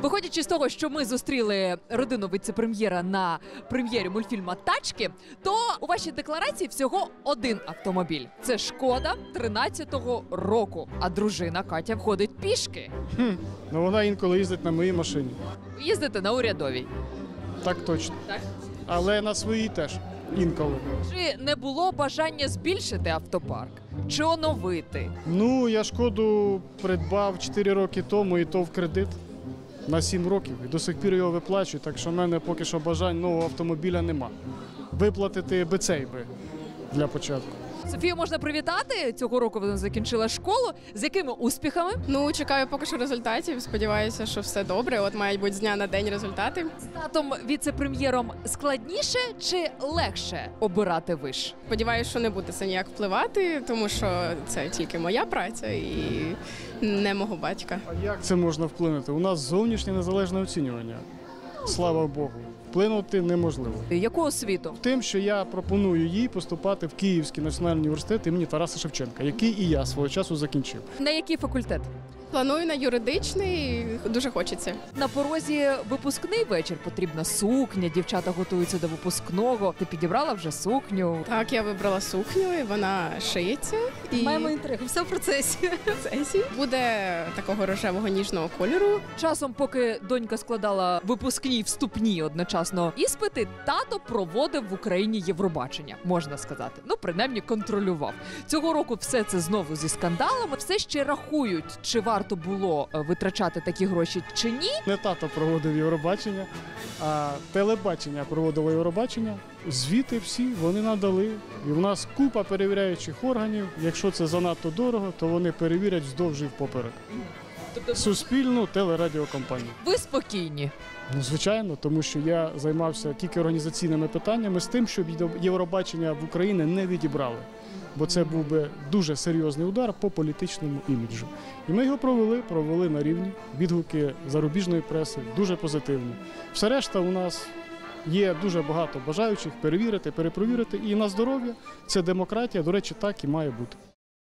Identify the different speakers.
Speaker 1: Виходячи з того, що ми зустріли родину віце-прем'єра на прем'єрі мультфільму «Тачки», то у вашій декларації всього один автомобіль. Це «Шкода» 13-го року, а дружина Катя ходить пішки.
Speaker 2: Ну вона інколи їздить на моїй машині.
Speaker 1: Їздите на урядовій.
Speaker 2: Так точно.
Speaker 1: Так?
Speaker 2: Але на своїй теж. Інколи.
Speaker 1: Чи не було бажання збільшити автопарк? Чи оновити?
Speaker 2: Ну, я «Шкоду» придбав 4 роки тому, і то в кредит на 7 років. І до сих пір його виплачую, так що в мене поки що бажань нового автомобіля нема. Виплатити би цей би для початку.
Speaker 1: Софію можна привітати. Цього року вона закінчила школу. З якими успіхами?
Speaker 3: Ну, чекаю поки що результатів. Сподіваюся, що все добре. От мають бути з дня на день результати.
Speaker 1: З татом віце-прем'єром складніше чи легше обирати виш?
Speaker 3: Сподіваюся, що не буде це ніяк впливати, тому що це тільки моя праця і не мого батька.
Speaker 2: А як це можна вплинути? У нас зовнішнє незалежне оцінювання. Слава Богу. Вплинути неможливо.
Speaker 1: Яку освіту?
Speaker 2: Тим, що я пропоную їй поступати в Київський національний університет імені Тараса Шевченка, який і я свого часу закінчив.
Speaker 1: На який факультет?
Speaker 3: Планую на юридичний, дуже хочеться.
Speaker 1: На порозі випускний вечір. Потрібна сукня, дівчата готуються до випускного. Ти підібрала вже сукню?
Speaker 3: Так, я вибрала сукню, і вона шиється. І
Speaker 1: Маємо інтригу, все в процесі.
Speaker 3: процесі буде такого рожевого ніжного кольору.
Speaker 1: Часом, поки донька складала випускні і вступні одночасно іспити, тато проводив в Україні Євробачення, можна сказати. Ну, принаймні, контролював. Цього року все це знову зі скандалами. Все ще рахують, чи варто було витрачати такі гроші, чи ні.
Speaker 2: Не тато проводив Євробачення, а телебачення проводило Євробачення. Звіти всі вони надали. І в нас купа перевіряючих органів. Якщо це занадто дорого, то вони перевірять вздовж і впоперек.
Speaker 1: Тобто
Speaker 2: Суспільну телерадіокомпанію.
Speaker 1: ви спокійні.
Speaker 2: Ну, звичайно, тому що я займався тільки організаційними питаннями з тим, щоб Євробачення в Україні не відібрали. Бо це був би дуже серйозний удар по політичному іміджу. І ми його провели на рівні. Відгуки зарубіжної преси дуже позитивні. Все решта у нас є дуже багато бажаючих перевірити, перепровірити. І на здоров'я це демократія, до речі, так і має бути.